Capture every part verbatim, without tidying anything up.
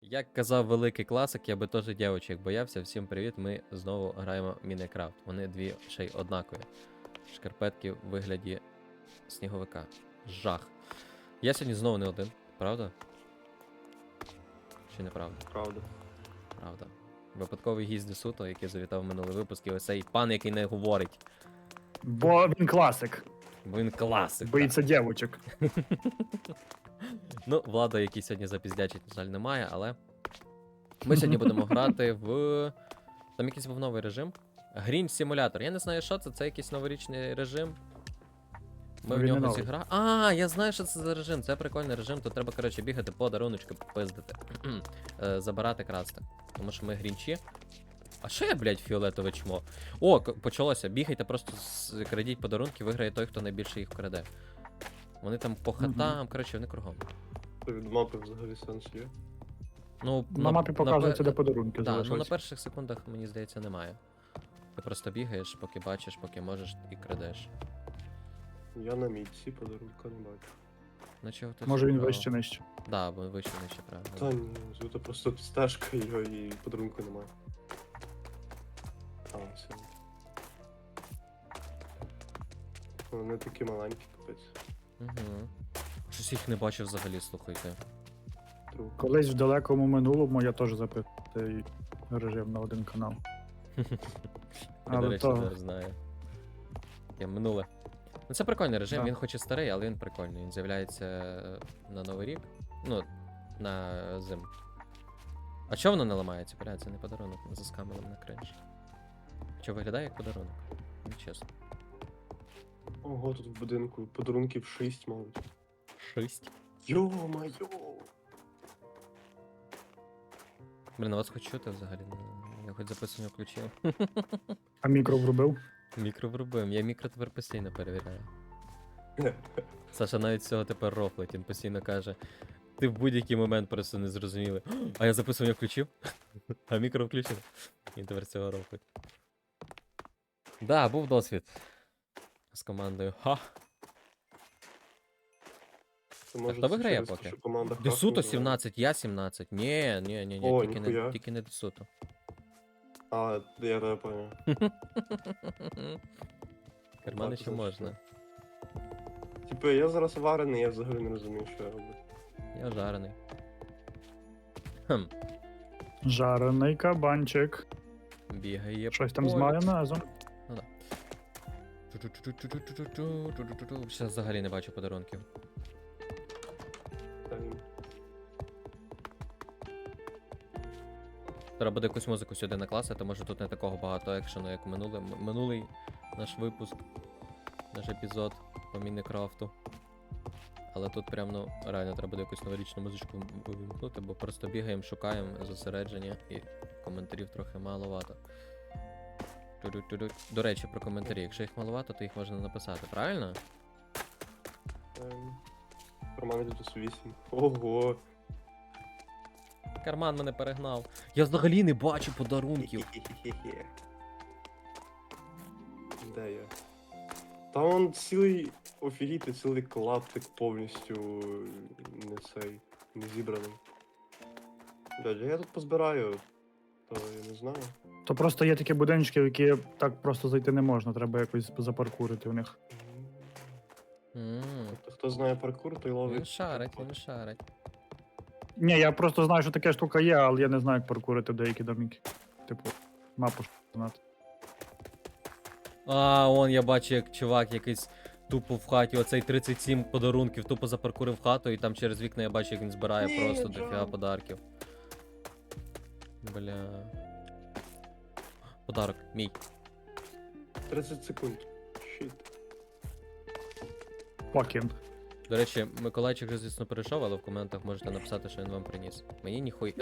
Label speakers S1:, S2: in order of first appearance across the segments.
S1: Як казав великий класик, я би теж дівчинок боявся. Всім привіт, ми знову граємо в Мінекрафт. Вони дві ще й однакові. Шкарпетки в вигляді сніговика. Жах. Я сьогодні знову не один, правда? Чи неправда?
S2: Правда.
S1: Правда. Випадковий гість Десуто, який завітав в минулий випуск, і ось цей пан, який не говорить.
S3: Бо він класик.
S1: Бо він класик.
S3: Боїться дівочок.
S1: Ну, Влада, який сьогодні запіздячить, на жаль, немає, але ми сьогодні будемо грати в. Там якийсь був новий режим. Green Simulator. Я не знаю, що це, це якийсь новорічний режим. Ми
S3: Ну,
S1: в
S3: він не
S1: нього
S3: новий.
S1: зіграли. А, я знаю, що це за режим. Це прикольний режим. Тут треба, коротше, бігати, подаруночки пиздити. Е, Забирати, красти. Тому що ми грінчі. А що я, блядь, фіолетове чмо? О, к- почалося. Бігайте, просто з- крадіть подарунки, виграє той, хто найбільше їх краде. Вони там по хатам, коротше, вони кругом.
S2: То від мапи взагалі сенс є.
S1: Ну,
S3: На мапі показується,
S1: пе-
S3: де подарунки
S1: Да, ну на
S3: залишаються.
S1: перших секундах, мені здається, немає. Ти просто бігаєш, поки бачиш, поки можеш і крадеш.
S2: Я на мітці подарунка не бачу.
S1: Ну чого ти
S3: Може він
S1: цікаво?
S3: вище нижче.
S1: Да, бо вище нижче, правильно.
S2: Та ні, звідти просто стежка його і подарунку немає. А, все. Вони такі маленькі, капець.
S1: Угу. Щось їх не бачив взагалі, слухайте.
S2: Тру.
S3: Колись в далекому минулому я теж запитав цей режим на один канал.
S1: Я, до
S3: Але
S1: речі,
S3: то
S1: не знаю. Я минуле. Ну це прикольний режим,
S3: Да.
S1: він хоч і старий, але він прикольний. Він з'являється е, на Новий рік. Ну, на зиму. А чого воно не ламається? Бля, це не подарунок, ми заскамили на кринж. Що виглядає як подарунок? Ну, чесно.
S2: Ого, тут в будинку подарунків шість, мабуть.
S1: Шість.
S2: Йо-майо!
S1: Блін, а вас хоч чути взагалі? Ну, я хоч записування включив.
S3: а мікро врубив.
S1: Мікро врубив. Я мікро тепер постійно перевіряю. Саша навіть з цього тепер рофлить, він постійно каже. Ти в будь-який момент просто не зрозуміли. А я записування включив, а мікро включив. Він тепер з цього рофлить. Да, був досвід. З командою. Ха!
S2: Це може
S1: хто
S2: це
S1: виграє
S2: через те,
S1: поки?
S2: що команда
S1: Десуто
S2: хакнула?
S1: сімнадцять, я сімнадцять. Ні, ні, ні, ні,
S2: О,
S1: тільки, не,
S2: ніхуя.
S1: тільки не Десуто.
S2: А, я тебе поняв.
S1: Кармани
S2: Так,
S1: ще можна.
S2: Типу, я зараз варений, я взагалі не розумію, що я роблю.
S1: Я жарений. Хм,
S3: Жарений кабанчик.
S1: бігає.
S3: Щось там з
S1: поле.
S3: майонезом.
S1: Зараз взагалі не бачу подарунків.
S2: Та ні.
S1: Треба буде якусь музику сюди накласти, може тут не такого багато екшену, як минулий, м- минулий наш випуск, наш епізод по Мінекрафту. Але тут прям, ну, реально треба буде якусь новорічну музичку вимкнути, бо просто бігаємо, шукаємо зосередження і коментарів трохи маловато. Тю-ду-тю-ду. До речі, про коментарі. Якщо їх маловато, то їх можна написати, правильно?
S2: Ем, Роман Лютус вісім. Ого!
S1: Карман мене перегнав. Я взагалі не бачу подарунків.
S2: Хе-хе-хе-хе. Де я? Та он цілий офігіти, цілий клаптик повністю не цей, не зібраний. Блядь, я тут позбираю, то я не знаю.
S3: То просто є такі будиночки, в які так просто зайти не можна, треба якось запаркурити в них.
S1: М,
S2: Тобто, хто знає паркур, той ловить.
S1: Він шарить, він шарить.
S3: Ні, я просто знаю, що така штука є, але я не знаю, як паркурити деякі доміки. Типу, мапу ж знати.
S1: А, он я бачу, як чувак якийсь тупо в хаті, оцей тридцять сім подарунків, тупо запаркурив хату, і там через вікна я бачу, як він збирає
S2: Ні,
S1: просто
S2: Джон.
S1: дофіга подарків. Бля. Подарок, мій.
S2: тридцять секунд. Щит.
S3: Fucking.
S1: До речі, Миколайчик вже, звісно, перейшов, але в коментах можете написати, що він вам приніс. Мені ніхуй.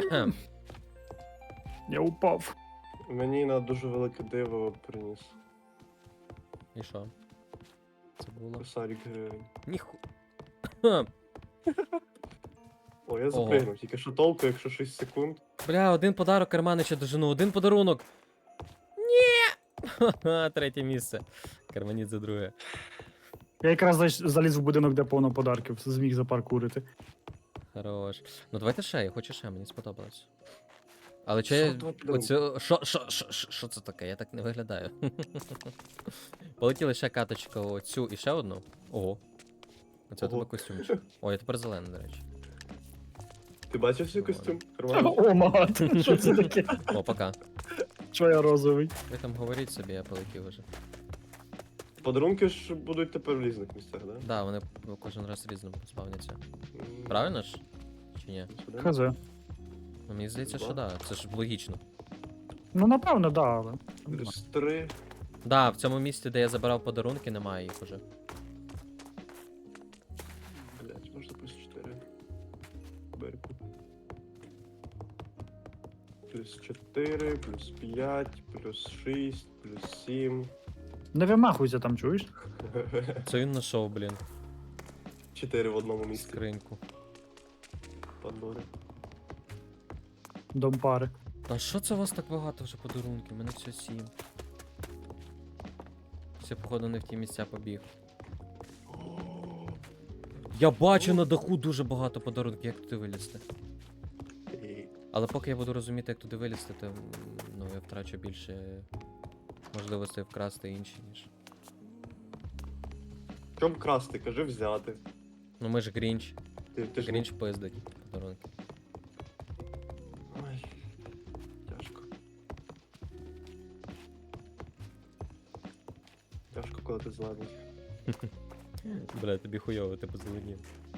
S3: Я упав.
S2: Мені на дуже велике диво приніс.
S1: І що? Це було.
S2: Косарик гривень.
S1: Ніху.
S2: О, я запригнув, тільки що толку, якщо шість секунд.
S1: Бля, один подарок Карманича дожену, один подарунок. Ні! Ха-ха, третє місце. Карманіт за друге.
S3: Я якраз зайш- заліз в будинок, де повно подарків, зміг запаркурити.
S1: Хорош. Ну давайте ще, я хочу ще, мені сподобалось. Але чи
S2: Що
S1: я.
S2: два подарунки?
S1: Оцю. Що, що, що, що, що це таке? Я так не виглядаю. Полетіли ще каточка оцю і ще одну. Ого. Оце у тебе
S2: Ого.
S1: костюмчик. О, я тепер зелений, до речі.
S2: Ти бачив свій
S1: Нормально.
S2: костюм? Нормально?
S3: О, мат, що це таке?
S1: О, пока.
S3: Що я розовий?
S1: Ви там говоріть собі, я полетів уже.
S2: Подарунки ж будуть тепер в різних місцях, да?
S1: Да, вони кожен раз різному спавняться.
S2: М,
S1: Правильно ж? Чи ні?
S2: сюди?
S3: Хз.
S1: Ну, мені здається, що
S2: Да.
S1: да, це ж логічно.
S3: Ну, напевно, да, але.
S2: Плюс три.
S1: Да, в цьому місці, де я забирав подарунки, немає їх уже.
S2: Блять, можна плюс чотири. Берку. Плюс чотири, плюс п'ять, плюс шість, плюс сім.
S3: Не вимахуйся там, чуєш?
S1: Це він знайшов, блін,
S2: чотири в одному місці.
S1: скриньку.
S2: Подбори.
S3: Дом пари.
S1: А що це у вас так багато вже подарунків? У мене все сім. Все, походу, не в ті місця побіг. Я бачу на даху дуже багато подарунків, як туди вилізти.
S2: І
S1: Але поки я буду розуміти, як туди вилізти, то м, ну, я втрачу більше можливостей вкрасти інші, ніж.
S2: Чом красти? Кажи взяти.
S1: Ну ми ж Грінч.
S2: Ти, ти ж
S1: Грінч пиздить подарунки.
S2: Ой, тяжко. Тяжко, коли ти зелений.
S1: Бля, тобі хуйово, ти позеленів.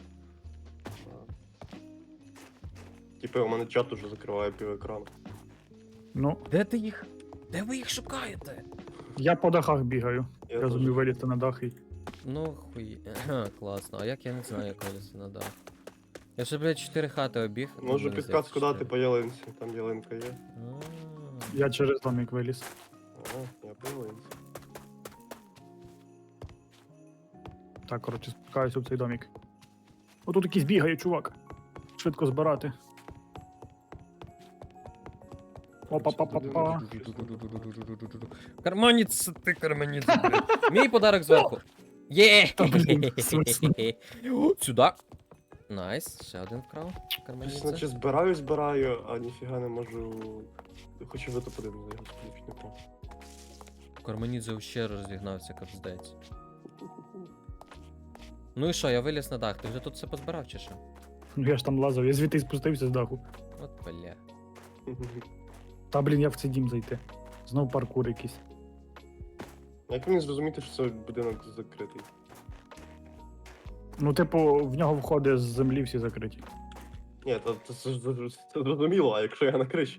S2: Типи, у мене чат уже закриває пів екрану.
S3: Ну,
S1: Де ти їх? Де ви їх шукаєте?
S3: я по дахах бігаю.
S2: Я
S3: Я
S2: теж.
S3: зумів вилізти на дах і.
S1: Ну хуй. Класно. А як я не знаю, як вилізти на дах? Я ще, блядь, чотири хати обіг. ну,
S2: Можу
S1: мені
S2: підказку
S1: здається,
S2: дати по ялинці. Там ялинка є.
S1: А.
S3: Я через домик виліз.
S2: О, я по ялинці.
S3: Так, коротше, спускаюся в цей домик. Отут якийсь бігає, чувак. Швидко збирати. Опа-па-па-па.
S1: Карманець, ти карманець, блядь. Мій подарок зверху. Є!
S3: Та, блін, смішно.
S1: Сюди. Найс, ще один вкрав.
S2: Щось,
S1: Карманець.
S2: наче збираю, збираю, а ніфіга не можу. Хочу в топ один за його спліч, не про.
S1: Карманідзе ще розігнався, капздець. Ну і що, я виліз на дах, ти вже тут все позбирав чи що?
S3: Ну я ж там лазав, я звідти й спустився з даху.
S1: От бля.
S3: Та блін, як в цей дім зайти? Знов паркур якийсь.
S2: Як мені зрозуміти, що це будинок закритий?
S3: Ну, типу, в нього входи з землі всі закриті.
S2: Ні, то, то, це, ж зр- це зрозуміло, а якщо я на криші?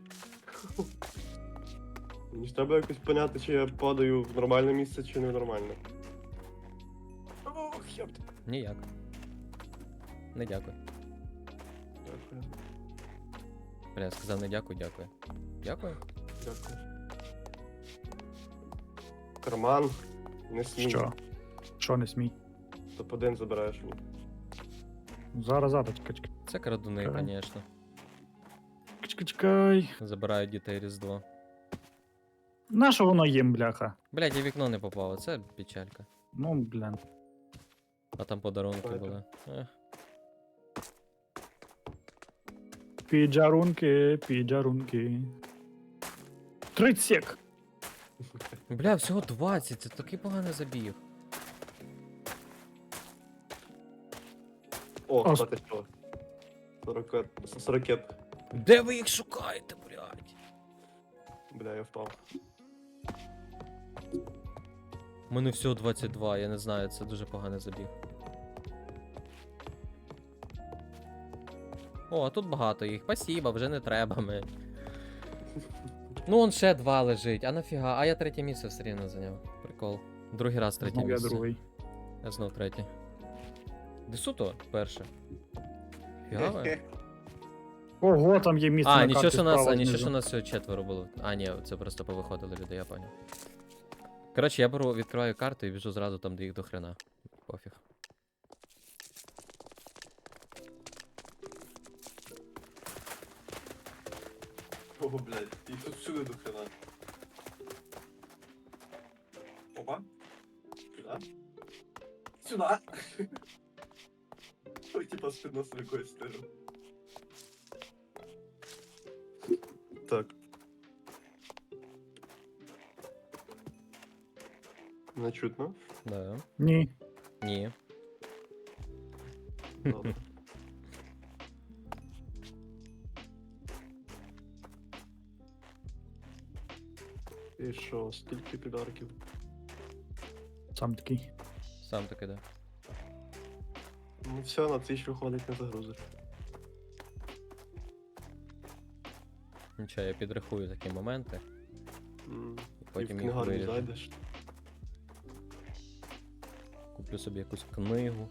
S2: Мені ж треба якось поняти, чи я падаю в нормальне місце, чи не в нормальне. Ох, ёпт.
S1: Ніяк. Не дякую.
S2: Дякую,
S1: Бля, я сказав не дякую, дякую. Дякую?
S2: дякую. Карман. Не смій.
S3: Що? Що не смій?
S2: топ один забираєш мені.
S3: Зараз, зараз, чекай, чекай.
S1: Це крадуни,
S3: Ага.
S1: звісно.
S3: Чекай, чекай.
S1: Забирають дітей Різдво.
S3: На що воно їм, бляха?
S1: Блядь, я в вікно не попав, це печалька.
S3: Ну, блін.
S1: А там подарунки
S2: Ой,
S1: були. Ех.
S3: Піджарунки, піджарунки. тридцять сек.
S1: Бля, всього двадцять, це такий поганий забіг.
S2: О,
S3: А,
S2: кстати, що? сорок сорокет.
S1: Де ви їх шукаєте, блядь?
S2: Бля, я впав.
S1: У мене всього двадцять два, я не знаю, це дуже поганий забіг. О, а тут багато їх. Спасибо, вже не треба ми. Ну, он ще два лежить, а нафіга? А я третє місце все рівно зайняв. Прикол. Другий раз третє
S3: Знов я
S1: місце.
S3: другий.
S1: Я знов третє. Десуто перше. Фігаве.
S3: Ого, там є місце
S1: А,
S3: на
S1: нічого,
S3: карті
S1: що нас,
S3: справа
S1: а, нічого,
S3: знизу.
S1: що нас всього четверо було. А, ні, це просто повиходили люди, я понял. Коротше, я беру, відкриваю карту і біжу зразу там, де їх до хрена. Пофіг.
S2: О, блядь, і тут всюди до хрена. Опа. Сюда. Сюда. Ой, типа спидносом якоюсь стежу. Так. Не чутно?
S1: Да.
S3: Ні.
S1: Ні.
S2: Добре. І що, скільки підарків?
S3: Сам такий.
S1: Сам таки, да.
S2: Ну все, на тисячу виходить, не загрузиш.
S1: Нічого, я підрахую такі моменти.
S2: М,
S1: І
S2: І в
S1: потім їх
S2: книгарню
S1: виріжу.
S2: зайдеш.
S1: Куплю собі якусь книгу.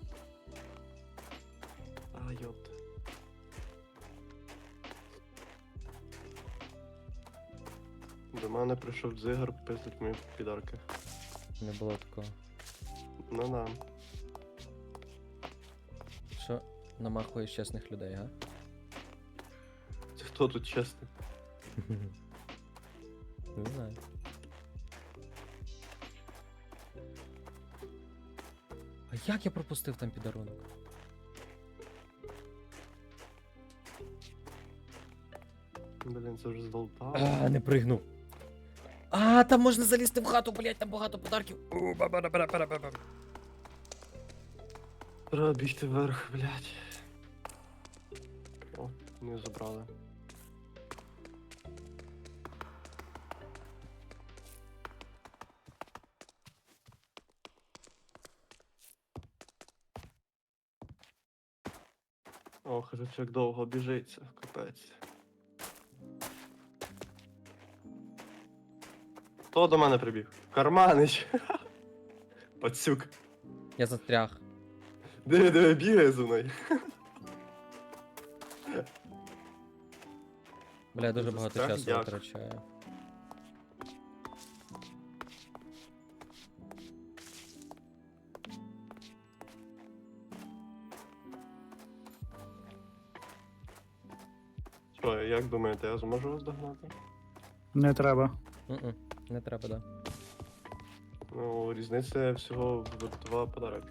S2: А, йопта. До мене прийшов дзигар пиздить мої підарки.
S1: Не було такого.
S2: На-на.
S1: Що намахуєш чесних людей, га?
S2: Це хто тут чесний?
S1: Не знаю. А як я пропустив там підарунок?
S2: Блін, це вже здолтав.
S1: А, не пригнув. А, там можна залізти в хату, блять, там багато подарків. У, ба-ба-ба-ба-ба-ба-ба.
S2: Треба бігти вверх, блядь. О, не забрали. Ох, вже як довго біжиться, капець. Хто до мене прибіг? Карманич! Пацюк.
S1: Я застряг.
S2: Диви, диви, бігає за мною.
S1: Бля, я дуже
S2: Застряг
S1: багато часу
S2: як?
S1: витрачаю.
S2: Що, як думаєте, я зможу вас догнати?
S3: Не треба.
S1: М-м, не треба, да.
S2: Ну, різниця всього в два подарунки.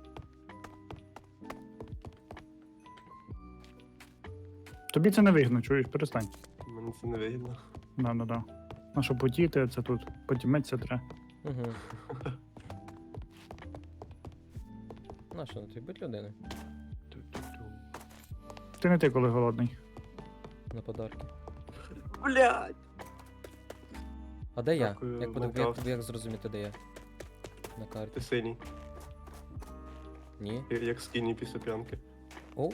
S3: Тобі це не вигідно, чуєш, перестань.
S2: Мені це не вигідно.
S3: Да, да, да. На що потіти, це тут. Потіметься треба.
S1: Угу. На що, тобі будь людиною?
S2: Ту-ту-ту.
S3: Ти не ти, коли голодний.
S1: На подарки.
S2: Блядь!
S1: А де я?
S2: Дякую,
S1: Як, подив... як,
S2: Майнкрафт.
S1: як зрозуміти, де я? На карті.
S2: Ти синій,
S1: Ні?
S2: я- як скіні після п'янки.
S1: Оу.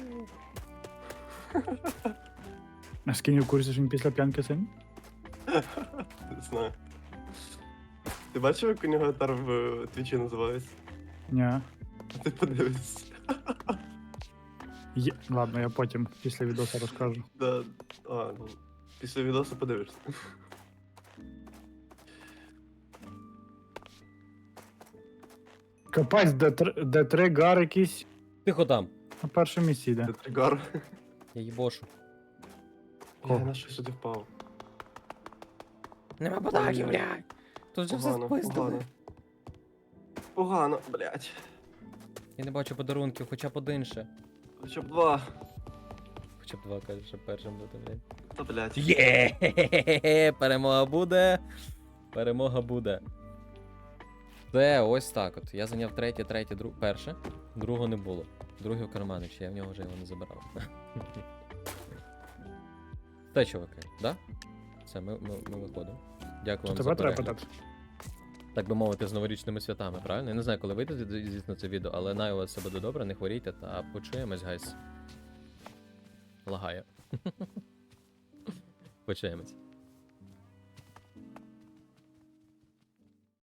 S3: А з ким в курсі, що він після п'янки син?
S2: Не знаю. Ти бачив, як у нього етар в е, твічі називається?
S3: Ні.
S2: А ти подивишся.
S3: Є... Ладно, я потім після відео розкажу.
S2: Да. А, ну, після відосу подивишся.
S3: Капець, де, тр... де три гар якісь
S1: Тихо там.
S3: на першому місці йде.
S2: Це тригар.
S1: Я їбошу.
S2: Я
S3: Кого?
S2: на що сюди впав.
S1: Нема
S2: подарків,
S1: блядь. Тут же все
S2: Погано,
S1: спиздили.
S2: погано. Погано, блядь.
S1: Я не бачу подарунків, хоча б один ще.
S2: Хоча б два.
S1: Хоча б два, каже, щоб першим бути, блядь.
S2: Та блядь.
S1: Є! Перемога буде. Перемога буде. Це ось так от. Я зайняв третє, третє, друг... перше. Другого не було. Другий в кармани, чи я в нього вже його не забирав. Те, чуваки, да? Все, ми, ми, ми виходимо. Дякую
S3: Чи
S1: вам за
S3: тебе треба
S1: перегляд.
S3: питати?
S1: Так би мовити, з новорічними святами, правильно? Я не знаю, коли вийде, зі- звісно, це відео, але най у вас все буде добре, не хворійте та почуємось, гайс. Лагає. Почуємось.